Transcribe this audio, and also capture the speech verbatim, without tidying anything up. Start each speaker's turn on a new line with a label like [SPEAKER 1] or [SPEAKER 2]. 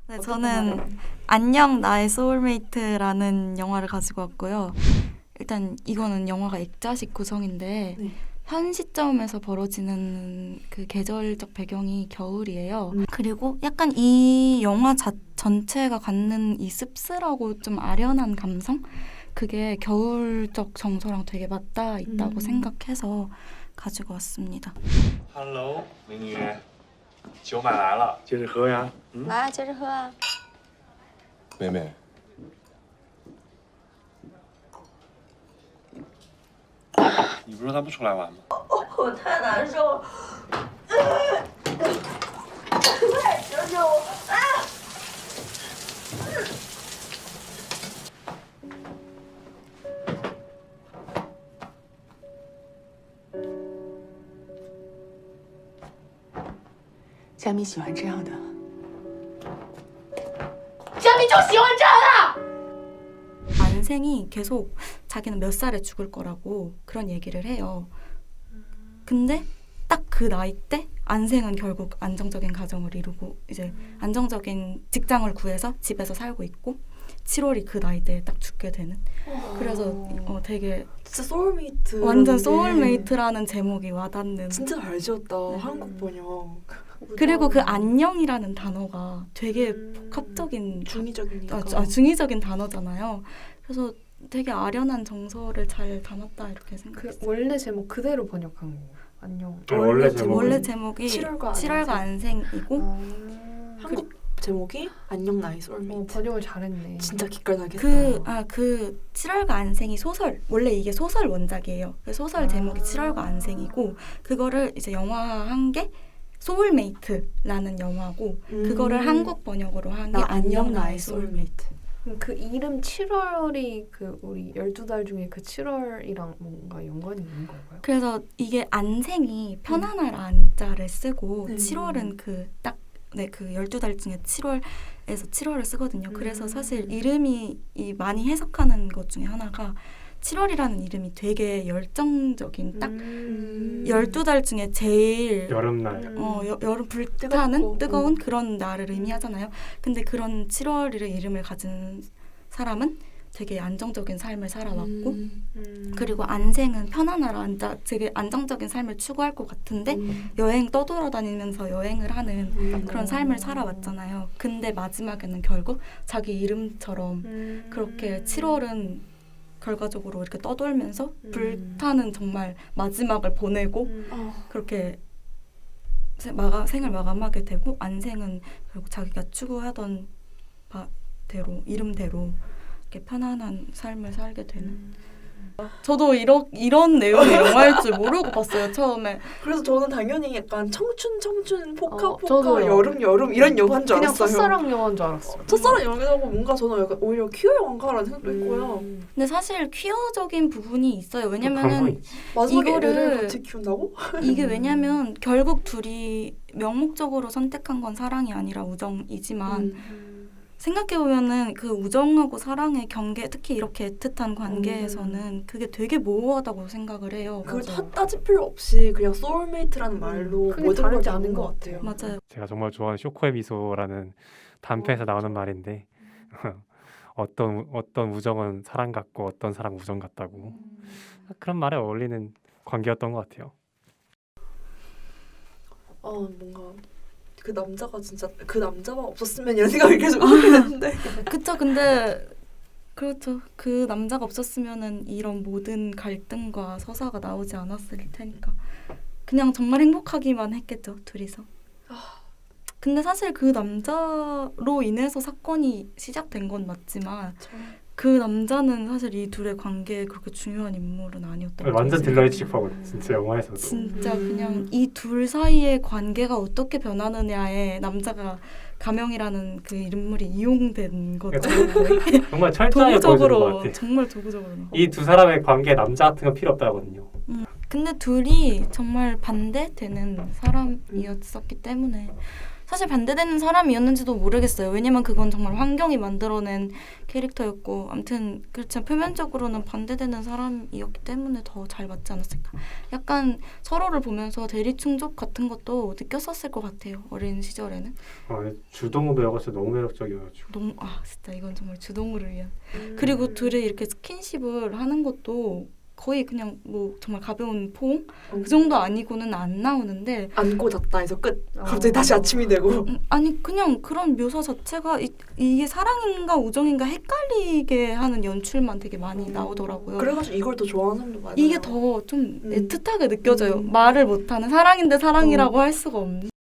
[SPEAKER 1] 네, 저는 안녕 나의 소울메이트라는 영화를 가지고 왔고요. 일단 이거는 영화가 액자식 구성인데
[SPEAKER 2] 네.
[SPEAKER 1] 현 시점에서 벌어지는 그 계절적 배경이 겨울이에요.
[SPEAKER 2] 음.
[SPEAKER 1] 그리고 약간 이 영화 자, 전체가 갖는 이 씁쓸하고 좀 아련한 감성? 그게 겨울적 정서랑 되게 맞닿아 있다고
[SPEAKER 2] 음.
[SPEAKER 1] 생각해서 가지고 왔습니다.
[SPEAKER 3] Hello，美女，酒买来了，接着喝呀。嗯，
[SPEAKER 4] 来，接着喝啊。
[SPEAKER 3] 妹妹，你不是说他不出来玩吗？
[SPEAKER 4] 我太难受了，快救救我！啊！
[SPEAKER 2] 佳米喜欢这样的。
[SPEAKER 4] 佳明就喜欢这样的。
[SPEAKER 1] 안생이 계속 자기는 몇 살에 죽을 거라고 그런 얘기를 해요. 근데 딱 그 나이 때 안생은 결국 안정적인 가정을 이루고 이제 안정적인 직장을 구해서 집에서 살고 있고 칠월이 그 나이 때에 딱 죽게 되는. 그래서 어, 되게
[SPEAKER 2] 진짜 소울메이트.
[SPEAKER 1] 완전 소울메이트라는 제목이 와닿는.
[SPEAKER 2] 진짜 잘 지었다.
[SPEAKER 1] 네.
[SPEAKER 2] 한국 번역.
[SPEAKER 1] 그리고 그 안녕이라는 단어가 되게
[SPEAKER 2] 음.
[SPEAKER 1] 복합적인
[SPEAKER 2] 중의적이니까.
[SPEAKER 1] 아, 아, 중의적인 단어잖아요. 그래서 되게 아련한 정서를 잘 담았다 이렇게
[SPEAKER 5] 그
[SPEAKER 1] 생각했어요.
[SPEAKER 5] 원래 제목 그대로 번역한 거 안녕.
[SPEAKER 6] 아, 원래 제목은?
[SPEAKER 1] 원래 제목이
[SPEAKER 2] 칠월과
[SPEAKER 1] 칠월과 안생이고
[SPEAKER 5] 아,
[SPEAKER 2] 한국 제목이 안녕 나의
[SPEAKER 5] 어,
[SPEAKER 2] 소울메이트.
[SPEAKER 5] 번역을 잘했네.
[SPEAKER 2] 진짜 기깔나게
[SPEAKER 1] 그
[SPEAKER 2] 했다.
[SPEAKER 1] 아 그 칠월과 안생이 소설 원래 이게 소설 원작이에요. 그 소설 제목이
[SPEAKER 5] 아.
[SPEAKER 1] 칠월과 안생이고 그거를 이제 영화한 게 소울메이트라는 영화고
[SPEAKER 2] 음.
[SPEAKER 1] 그거를 한국 번역으로 한 게
[SPEAKER 2] 나
[SPEAKER 1] 안녕 나의 소울메이트.
[SPEAKER 5] 그럼 그 이름 칠월이 그 우리 열두 달 중에 그 칠월이랑 뭔가 연관이 있는 건가요?
[SPEAKER 1] 그래서 이게 안생이 편안할 안자를 쓰고
[SPEAKER 2] 음.
[SPEAKER 1] 칠월은 그 딱 네 그 열두 달 중에 칠월에서 칠월을 쓰거든요. 그래서
[SPEAKER 5] 음.
[SPEAKER 1] 사실 이름이 이 많이 해석하는 것 중에 하나가 칠월이라는 이름이 되게 열정적인 딱
[SPEAKER 2] 음.
[SPEAKER 1] 열두 달 중에 제일
[SPEAKER 6] 여름날.
[SPEAKER 1] 어, 여, 여름 불타는
[SPEAKER 2] 뜨겁고.
[SPEAKER 1] 뜨거운
[SPEAKER 2] 음.
[SPEAKER 1] 그런 날을 의미하잖아요. 근데 그런 칠월이라는 이름을 가진 사람은 되게 안정적인 삶을 살아왔고
[SPEAKER 2] 음.
[SPEAKER 5] 음.
[SPEAKER 1] 그리고 안생은 편안하라 앉아 되게 안정적인 삶을 추구할 것 같은데
[SPEAKER 2] 음.
[SPEAKER 1] 여행 떠돌아다니면서 여행을 하는
[SPEAKER 2] 음.
[SPEAKER 1] 그런 삶을 살아왔잖아요. 근데 마지막에는 결국 자기 이름처럼
[SPEAKER 5] 음.
[SPEAKER 1] 그렇게 칠월은 결과적으로 이렇게 떠돌면서
[SPEAKER 5] 음.
[SPEAKER 1] 불타는 정말 마지막을 보내고
[SPEAKER 5] 음.
[SPEAKER 2] 어.
[SPEAKER 1] 그렇게 세- 마가, 생을 마감하게 되고 안생은 결국 자기가 추구하던 바대로 이름대로 이렇게 편안한 삶을 살게 되는. 저도 이러, 이런 내용의 영화일 줄 모르고 봤어요 처음에.
[SPEAKER 2] 그래서 저는 당연히 약간 청춘 청춘 포카
[SPEAKER 5] 어,
[SPEAKER 2] 포카
[SPEAKER 5] 저도요.
[SPEAKER 2] 여름 여름 이런 영화인 줄
[SPEAKER 5] 그냥
[SPEAKER 2] 알았어요.
[SPEAKER 5] 첫사랑 영화인 줄 알았어.
[SPEAKER 2] 첫사랑 영화라고 뭔가 저는 약간 오히려 퀴어 영화라는 생각도 했고요.
[SPEAKER 5] 음.
[SPEAKER 1] 근데 사실 퀴어적인 부분이 있어요.
[SPEAKER 6] 그런 거
[SPEAKER 1] 왜냐면은
[SPEAKER 6] 있지.
[SPEAKER 2] 마지막에
[SPEAKER 1] 이거를-
[SPEAKER 2] 애를 같이 키운다고?
[SPEAKER 1] 이게 왜냐면 결국 둘이 명목적으로 선택한 건 사랑이 아니라 우정이지만
[SPEAKER 2] 음.
[SPEAKER 1] 생각해보면은 그 우정하고 사랑의 경계, 특히 이렇게 애틋한 관계에서는 그게 되게 모호하다고 생각을 해요.
[SPEAKER 2] 그걸
[SPEAKER 1] 맞아요.
[SPEAKER 2] 다 따질 필요 없이 그냥 소울메이트라는 말로
[SPEAKER 5] 크게
[SPEAKER 2] 모든 걸
[SPEAKER 5] 다르지
[SPEAKER 2] 다
[SPEAKER 5] 않은
[SPEAKER 2] 본
[SPEAKER 5] 것
[SPEAKER 2] 것
[SPEAKER 5] 같아요.
[SPEAKER 1] 맞아요.
[SPEAKER 6] 제가 정말 좋아하는 쇼코의 미소라는 단편에서 나오는 말인데 어떤 어떤 우정은 사랑 같고 어떤 사랑 우정 같다고 그런 말에 어울리는 관계였던 것 같아요.
[SPEAKER 2] 어 뭔가 그 남자가 진짜 그 남자만 없었으면 이런 생각이 계속 하게 되는데
[SPEAKER 1] 그쵸. 근데 그렇죠. 그 남자가 없었으면은 이런 모든 갈등과 서사가 나오지 않았을 테니까 그냥 정말 행복하기만 했겠죠. 둘이서. 근데 사실 그 남자로 인해서 사건이 시작된 건 맞지만 그 남자는 사실 이 둘의 관계에 그렇게 중요한 인물은 아니었던 것
[SPEAKER 6] 완전
[SPEAKER 1] 같아요.
[SPEAKER 6] 딜러의 취급하고 진짜 영화에서도
[SPEAKER 1] 진짜
[SPEAKER 2] 음.
[SPEAKER 1] 그냥 이 둘 사이의 관계가 어떻게 변하느냐에 남자가 가명이라는 그 인물이 이용된 거죠.
[SPEAKER 6] 정말 철저하게 보여주는 것
[SPEAKER 1] 도구적으로
[SPEAKER 6] 같아요.
[SPEAKER 1] 정말 도구적으로.
[SPEAKER 6] 이 두 사람의 관계에 남자 같은 건 필요 없다거든요.
[SPEAKER 1] 근데 둘이 정말 반대되는 사람이었었기 때문에 사실 반대되는 사람이었는지도 모르겠어요. 왜냐면 그건 정말 환경이 만들어낸 캐릭터였고 아무튼 그렇지만 표면적으로는 반대되는 사람이었기 때문에 더 잘 맞지 않았을까. 약간 서로를 보면서 대리충족 같은 것도 느꼈었을 것 같아요. 어린 시절에는.
[SPEAKER 6] 아, 주동우 배우가 진짜 너무 매력적이어가지고.
[SPEAKER 1] 너무 아 진짜 이건 정말 주동우를 위한.
[SPEAKER 2] 음.
[SPEAKER 1] 그리고 둘이 이렇게 스킨십을 하는 것도 거의 그냥 뭐 정말 가벼운 포옹?
[SPEAKER 2] 음.
[SPEAKER 1] 그 정도 아니고는 안 나오는데
[SPEAKER 2] 안고 잤다 해서 끝.
[SPEAKER 5] 어.
[SPEAKER 2] 갑자기 다시 아침이 되고.
[SPEAKER 1] 음, 아니 그냥 그런 묘사 자체가 이, 이게 사랑인가 우정인가 헷갈리게 하는 연출만 되게 많이 나오더라고요.
[SPEAKER 2] 그래가지고 이걸 더 좋아하는 사람도 많아요.
[SPEAKER 1] 이게 더 좀
[SPEAKER 2] 음.
[SPEAKER 1] 애틋하게 느껴져요.
[SPEAKER 2] 음.
[SPEAKER 1] 말을 못하는 사랑인데 사랑이라고 할 수가 없는.